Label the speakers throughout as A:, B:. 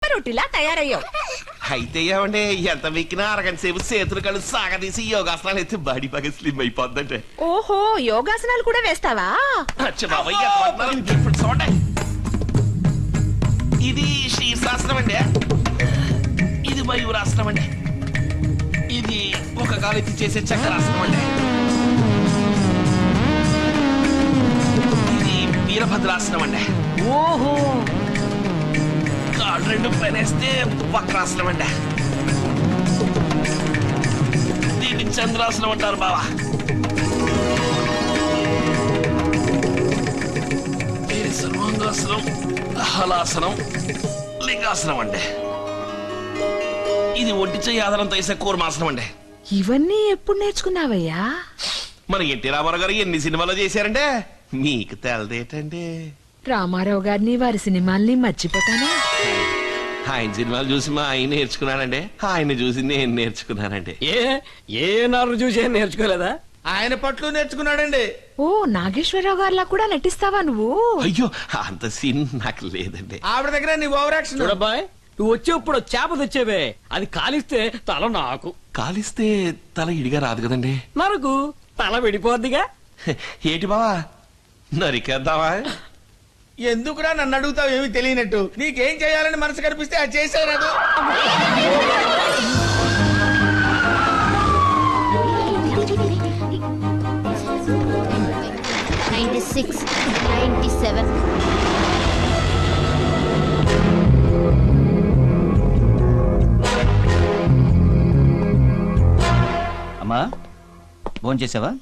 A: రొట్టిలా తయారయ్యావు.
B: అయితే ఏమండి ఎంత వెక్కినా అరగంట సేపు చేతులు కళ్ళు సాగదీసి యోగాసనాలు అయితే బాడీ బాగా స్లిమ్ అయిపోద్దంటే.
A: ఓహో, యోగాసనాలు కూడా వేస్తావా?
B: ఇది శీర్షాసనం అండి, ఇది మయూరాసనం అండి, ఇది ఒక కాలెత్తి చేసే చక్రాసనం అండి, ఇది వీరభద్రాసనం అండి.
A: ఓహో,
B: కాళ్ళు రెండు పనేస్తే వక్రాసనం అండి, దీన్ని చంద్రాసనం అంటారు బావా. ఇది సర్వాంగాసనం, హలాసనం, లింగాసనం అండి, ఇది ఒంటి చెయ్యి ఆధారంతో వేసే కూర్మాసనం అండి.
A: ఇవన్నీ ఎప్పుడు నేర్చుకున్నావయ్యా?
B: మన ఎన్టీ రామారావు గారు ఎన్ని సినిమాలు చేశారంటే మీకు తెలదేటండి.
A: రామారావు గారిని వారి సినిమాల్ని మర్చిపోతానా?
B: ఆయన సినిమాలు చూసి మా ఆయన నేర్చుకున్నానండి, ఆయన చూసి నేను నేర్చుకున్నానండి.
C: ఏ నారు చూసి నేర్చుకోలేదా?
D: ఆయన పట్లు నేర్చుకున్నాడండి.
A: ఓ, నాగేశ్వరరావు గారిలా కూడా నటిస్తావా నువ్వు?
B: అయ్యో అంత సీన్ నాకు లేదండి.
D: ఆవిడ దగ్గర నీ ఓవర్ యాక్షన్.
C: చూడబ్బాయ్, నువ్వు వచ్చేప్పుడు చేప తెచ్చేవే, అది కాలిస్తే తల నాకు,
B: కాలిస్తే తల ఇడిగా రాదు కదండి.
C: నరకు తల విడిపోద్దిగా.
B: ఏటి బావా నరికేద్దామా?
D: ఎందుకురా నన్ను అడుగుతావు ఏమి తెలియనట్టు? నీకేం చేయాలని మనసు కనిపిస్తే అది చేసేరాదు.
E: అమ్మా భోంచేసావా?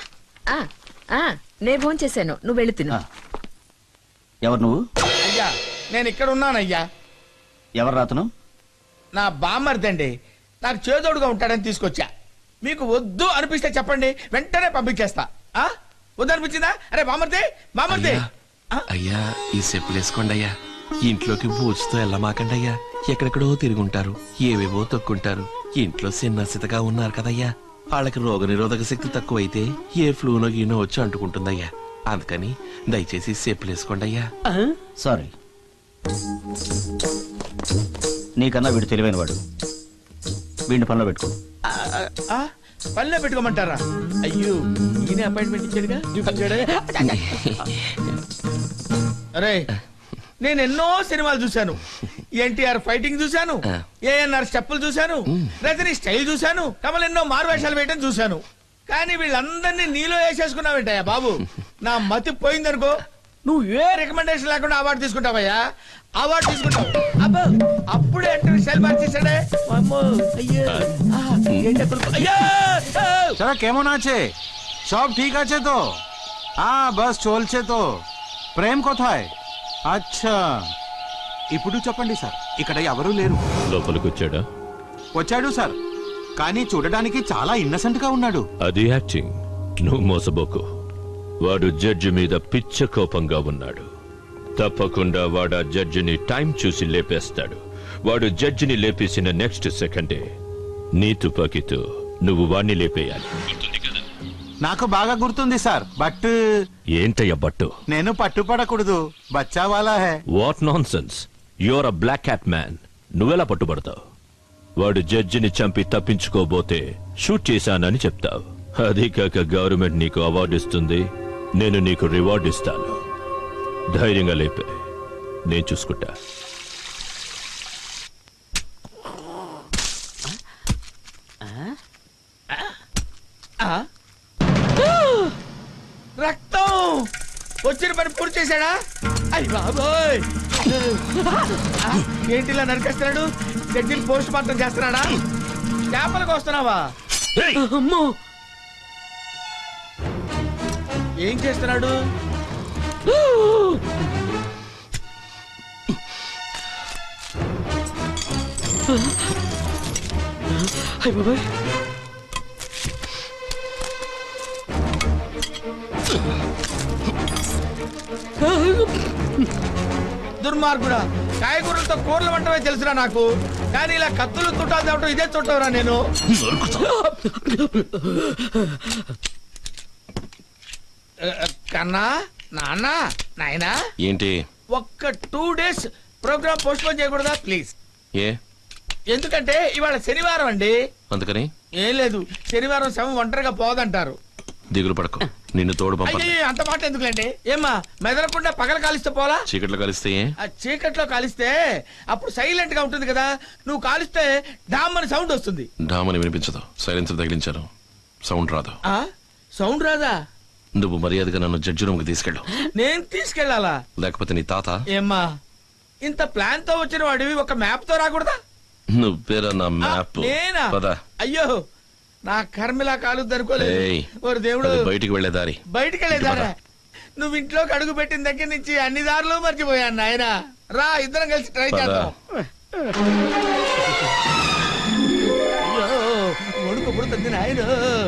A: నే భోంచేశాను, నువ్వు వెళ్ళి తిను.
E: ఎవరు నువ్వు?
D: అయ్యా నేను ఇక్కడ ఉన్నానయ్యా.
E: ఎవరు రాతను?
D: నా బామ్మర్దండి, నాకు చేదోడుగా ఉంటాడని తీసుకొచ్చా. మీకు వద్దు అనిపిస్తే చెప్పండి, వెంటనే పంపించేస్తా. వద్దు అనిపించిందా? అరే బామ్మర్ది, బామ్మర్ది.
B: అయ్యా ఈ చెప్పులు వేసుకోండి అయ్యా, ఇంట్లోకి బూచుతో వెళ్ళమాకండి అయ్యా. ఎక్కడెక్కడో తిరుగుంటారు, ఏవేవో తొక్కుంటారు. ఇంట్లో సిన్నసితగా ఉన్నారు కదయ్యా, వాళ్ళకి రోగ నిరోధక శక్తి తక్కువైతే ఏ ఫ్లూనో గీనో వచ్చి అంటుకుంటుందయ్యా. అందుకని దయచేసి చెప్పులు వేసుకోండి అయ్యా.
E: సారీ, నీకన్నా వీడు తెలివైన వాడు, వీడిని పనిలో పెట్టుకో.
D: పనిలో పెట్టుకోమంటారా? అయ్యో ఈయన అపాయింట్మెంట్ ఇచ్చాడుగా. అరే నేను ఎన్నో సినిమాలు చూశాను. ఎన్టీఆర్ ఫైటింగ్ చూశాను, ఏఎన్ఆర్ స్టెప్పులు చూశాను, రజనీ స్టైల్ చూశాను, కమల్ ఎన్నో మారువేషాలు వేయటం చూశాను. కానీ వీళ్ళందరినీ నీలో వేసేసుకున్నావేంటయ్యా బాబు? నా మతి పోయిందనుకో, నువ్వు ఏ రికమెండేషన్ లేకుండా అవార్డు తీసుకుంటావయ్యా. అవార్డు తీసుకుంటావు అబ్బో, అప్పుడే అంటే స్టైల్ మార్చేసాడే.
F: কেমন আছে? সব ঠিক আছে তো? బస్ চলছে তো? ప్రేమ్ কোথায়? అచ్చా, ఇప్పుడు చెప్పండి సార్, ఇక్కడ ఎవరూ లేరు.
G: లోపలికి వచ్చాడా?
F: వచ్చాడు సార్, కానీ చూడడానికి చాలా ఇన్నసెంట్ గా ఉన్నాడు.
G: అది యాక్టింగ్, నువ్వు మోసబోకు. వాడు జడ్జి మీద పిచ్చ కోపంగా ఉన్నాడు. తప్పకుండా వాడు ఆ జడ్జిని టైం చూసి లేపేస్తాడు. వాడు జడ్జిని లేపేసిన నెక్స్ట్ సెకండే నీ తుపాకీతో నువ్వు వాణ్ణి లేపేయాలి.
F: నాకు బాగా గుర్తుంది సార్, బట్
G: ఏంటయ్య బట్టు?
F: నేను పట్టుపడకూడదు, బచ్చావాలా హే.
G: What nonsense, your uh black cat man. నువ్వెలా పట్టుబడతావు? వాడు జడ్జిని చంపి తప్పించుకోబోతే షూట్ చేశానని చెప్తావు. అదే కాక గవర్నమెంట్ నీకు అవార్డు ఇస్తుంది, నేను నీకు రివార్డు ఇస్తాను. ధైర్యంగా లేపే, నేను చూసుకుంటా.
D: రక్తం వచ్చిన పని పూర్తి చేశాడా? అయ్య బాబోయ్, ఏంటి ఇలా నరికేస్తున్నాడు? జడ్జిని పోస్ట్ మార్టం చేస్తున్నాడా? చేపలకు వస్తున్నావా?
C: అమ్మో,
D: ఏం చేస్తున్నాడు?
C: అయ్య బాబాయ్,
D: దుర్మార్గుడా, కాయగూరలతో కూరలు వంటమే తెలుసురా నాకు, కానీ ఇలా కత్తులు తుట్టాలు తేవటం ఇదే చుట్టవరా నేను. కన్నా, నాన్న, నాయనా,
B: ఏంటి
D: ఒక్క 2 days ప్రోగ్రామ్ పోస్ట్ పోన్ చేయకూడదా ప్లీజ్?
B: ఏ
D: ఎందుకంటే ఇవాళ శనివారం అండి.
B: అందుకని
D: ఏం లేదు, శనివారం శవం ఒంటరిగా పోదంటారు.
B: దిగులు పడకు, నిన్ను తోడు పంపండి.
D: అయ్యో అంత మాట ఎందుకులేండి? ఏమ్మా మెదలకుండా పగల కాలిస్తే పోలా?
B: చీకట్లో కలిస్తే ఏ?
D: ఆ చీకట్లో కాలిస్తే అప్పుడు సైలెంట్ గా ఉంటుంది కదా. నువ్వు కాలిస్తే డామ్ అని సౌండ్ వస్తుంది.
B: డామని వినిపించదు, సైలెన్సర్ తగిలించాను, సౌండ్ రాదు.
D: ఆ సౌండ్ రాదా?
B: నువ్వు మర్యాదగా నన్ను జడ్జి రూమ్ కి తీసుకెళ్ళు,
D: నేను తీసుకెళ్లాలా?
B: లేకపోతే నీ తాత.
D: ఏమ్మా ఇంత ప్లాన్ తో వచ్చిన వాడివి ఒక మ్యాప్ తో రాకూడదా?
B: నువ్వేరా నా
D: ఆ,
B: మ్యాప్.
D: నేనా?
B: పద.
D: అయ్యో నా కర్మిలా కాలుద్ది అనుకోలేదు.
B: ఏయ్,
D: ఓరి దేవుడు,
B: అది బయటికి వెళ్లే దారి.
D: బయటికి వెళ్ళేదారా? నువ్వు ఇంట్లోకి అడుగు పెట్టిన దగ్గర నుంచి అన్ని దారులు మర్చిపోయాను నాయన. రా ఇద్దరం కలిసి ట్రై
B: పద.
D: చేద్దాం. అయ్యో వణుకు పుడుతుంది నాయన.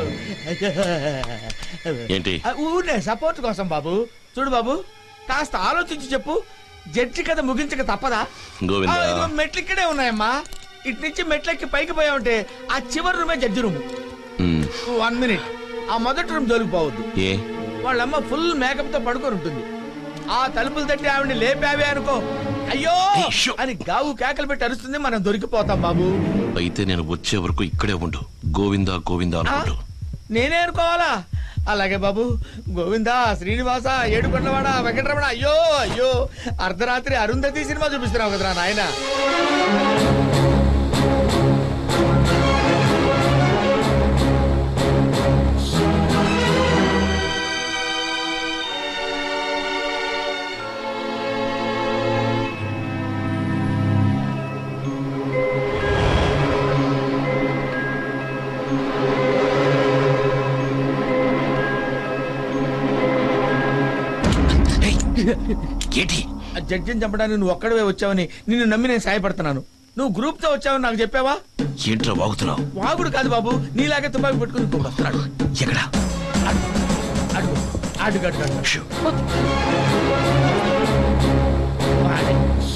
B: ఏంటి?
D: ఊనే సపోర్ట్ కోసం బాబు. చూడు బాబు, కాస్త ఆలోచించి చెప్పు. జడ్జి కథ ముగించక తప్పదా?
B: గోవిందా.
D: ఇదిగో మెట్లు ఇక్కడే ఉన్నాయమ్మా. ఇటు నుంచి మెట్లెక్కి పైకి పోయామంటే ఆ చివరి రూమే జడ్జి రూమ్. 1 మినిట్, ఆ మొదటి రూమ్ దొరికిపోవద్దు.
B: ఏ?
D: వాళ్ళమ్మ ఫుల్ మేకప్ తో పడుకొని ఉంటుంది. ఆ తలుపులు తట్టి ఆవిడని లేపావే అనుకో, అయ్యో
B: ఏయ్, షో.
D: అని గావు కేకలు పెట్టి అరుస్తుంది. మనం దొరికిపోతాం బాబు.
B: అయితే నేను వచ్చే వరకు ఇక్కడే ఉండు. గోవిందా గోవిందా
D: ఆ?
B: అనుకుంటూ.
D: నేనే అనుకోవాలా? అలాగే బాబు. గోవిందా, శ్రీనివాస, ఏడుకొండవాడ, వెంకటరమణ. అయ్యో అయ్యో, అర్ధరాత్రి అరుంధతి సినిమా చూపిస్తున్నావు కదరా నాయన.
B: ఏంటి?
D: ఆ జడ్జిని చంపడానికి నువ్వు ఒక్కడవే వచ్చావని నిన్ను నమ్మి నేను సాయపడుతున్నాను. నువ్వు గ్రూప్ తో వచ్చావని నాకు చెప్పావా?
B: ఏంట్రా వాగుతున్నావు?
D: వాగుడు కాదు బాబు, నీలాగే తుపాకి పెట్టుకుని ఇంకొకడు వస్తున్నాడు.
B: ఎక్కడా?
D: అడుగు అడుగు అడుగు అడుగు.
B: షూ.
D: వాడే.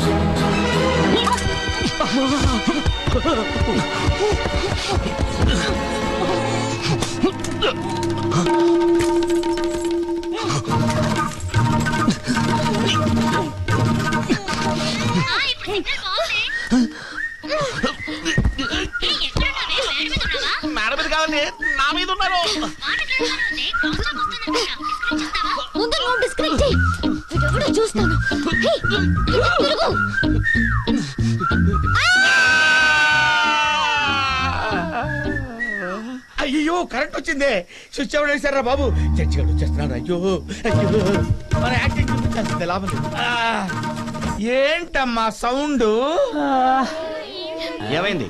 D: మేడం మీద కావాలి, నా మీద ఉన్నారు.
H: ముందు నువ్వు డిస్కనెక్ట్ చెయ్యి. వీడెవడో చూస్తాను. హే, తిరుగు.
D: అయ్యో కరెంట్ వచ్చిందే. స్విచ్ ఎవరు వేశారా బాబు? చర్చి గారు వచ్చేస్తున్నాడు. అయ్యో అయ్యో, మన యాక్టింగ్ చూపించాల్సిందే, లాభం లేదు. ఏంటమ్మా సౌండ్?
E: ఏమైంది?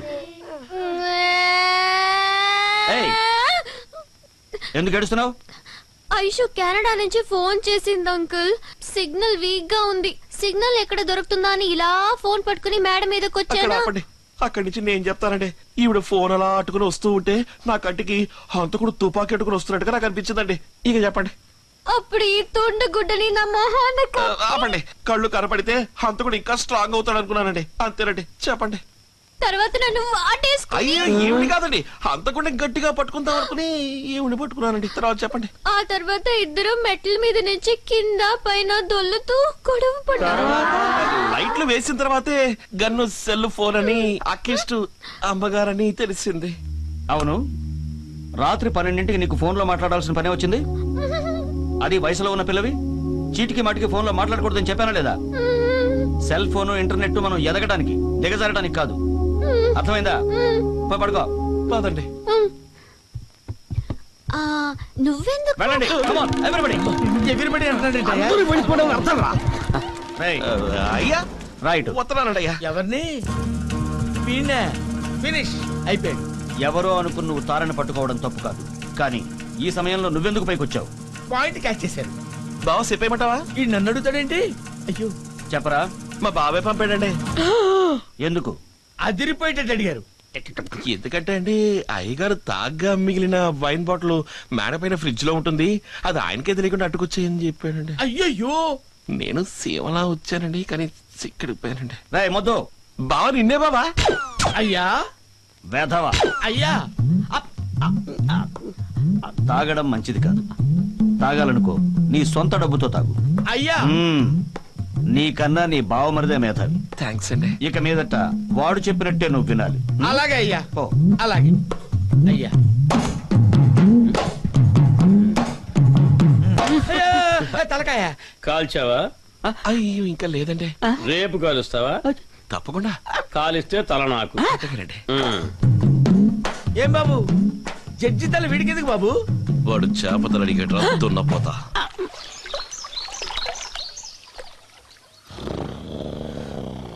E: ఏయ్, ఎందుకు ఏడుస్తున్నావు?
H: ఐషు కెనడా నుంచి ఫోన్ చేసింది అంకుల్. సిగ్నల్ వీక్ గా ఉంది. సిగ్నల్ ఎక్కడ దొరుకుతుందా అని ఇలా ఫోన్ పట్టుకుని మేడం మీదకి వచ్చాను.
B: అక్కడి నుంచి నేను చెప్తానండి. ఈవిడ ఫోన్ అలా అట్టుకుని వస్తూ ఉంటే నా కంటికి హంతకుడు తుపాకీ అట్టుకుని వస్తున్నట్టుగా నాకు అనిపించిందండి. ఇక చెప్పండి.
H: అప్పుడు ఈ తుండు గుడ్డని నా మొహాన
B: ఆపండి. కళ్ళు కనపడితే హంతకుడు ఇంకా స్ట్రాంగ్ అవుతాడు అనుకున్నానండి. అంతేనండి, చెప్పండి.
H: తర్వాత నన్ను వాటేసుకుని
B: అయ్యో ఏమిటి కాదండి, హంతకుడిని గట్టిగా పట్టుకుందాం అనుకుని ఈవిడ పట్టుకున్నానండి. తర్వాత చెప్పండి.
H: ఆ తర్వాత ఇద్దరు మెట్ల మీద నుంచి కింద పైన దొల్లుతూ గొడవ పడ్డారు.
B: లైట్లు వేసిన తర్వాతే గన్ను సెల్ ఫోన్ అని అక్కిస్టు అమ్మగారని తెలిసింది.
E: అవును, రాత్రి 12ంటికి నీకు ఫోన్ లో మాట్లాడాల్సిన పనే వచ్చింది. అది వయసులో ఉన్న పిల్లవి చీటికి మాటికి ఫోన్ లో మాట్లాడకూడదని చెప్పానా లేదా? సెల్ ఫోన్ ఇంటర్నెట్ మనం ఎదగడానికి దిగజారడానికి కాదు. అర్థమైందా? పోయి పడుకో.
B: కాదండి.
H: నువ్వెందుకు?
E: వెళ్ళండి. Come on, everybody.
D: ఎవిరిబడి అంటున్నాడు.
E: Right.
B: అయ్యా
E: Right.
B: వస్తున్నానండి అయ్యా.
D: ఎవరిని? వీణ్ణే. ఫినిష్ అయిపోయాడు.
E: ఎవరో అనుకుని నువ్వు తారని పట్టుకోవడం తప్పు కాదు, కానీ ఈ సమయంలో నువ్వెందుకు పైకొచ్చావు?
D: పాయింట్ క్యాచ్ చేశారు.
B: బావ చెప్పేయమంటావా?
D: ఈ నన్ను అడుగుతాడేంటి? అయ్యో
E: చెప్పరా.
B: మా బాబాయ్ పంపాడండి.
E: ఎందుకు?
D: అదిరిపోయేటట్టు అడిగారు.
B: ఎందుకంటే అండి, అయ్యగారు తాగ్గా మిగిలిన వైన్ బాటిల్ మేడ పైన ఫ్రిడ్జ్ లో ఉంటుంది, అది ఆయనకే తెలియకుండా అట్టుకొచ్చేయని చెప్పాడండి.
D: అయ్యయ్యో,
B: నేను సేవలా వచ్చానండి, కానీ సిక్కడిపోయానండి.
E: రాయ్ మొద్దు.
B: బావ నిన్నే బాబా.
D: అయ్యా
E: వేధవా.
D: అయ్యా,
E: తాగడం మంచిది కాదు. తాగాలనుకో నీ సొంత డబ్బుతో తాగు.
D: అయ్యా
E: మ్మ్. నీకన్నా నీ బావమరిదే మేధావి.
B: థ్యాంక్స్ అండి.
E: ఇక మీదట వాడు చెప్పినట్టే నువ్వు వినాలి.
D: అలాగే అయ్యా,
E: ఓ
D: అలాగే అయ్యా. అయ్యో, తలకాయ.
C: కాల్చావా?
B: అయ్యో ఇంకా లేదండి.
C: రేపు కాలుస్తావా?
B: తప్పకుండా.
C: కాలిస్తే తల నాకు.
B: అంతేనండి.
D: ఏం బాబు, జడ్జి తల వీడికెందుకు బాబు?
B: వాడు చేపతలు అడిగేట దున్నపోతా.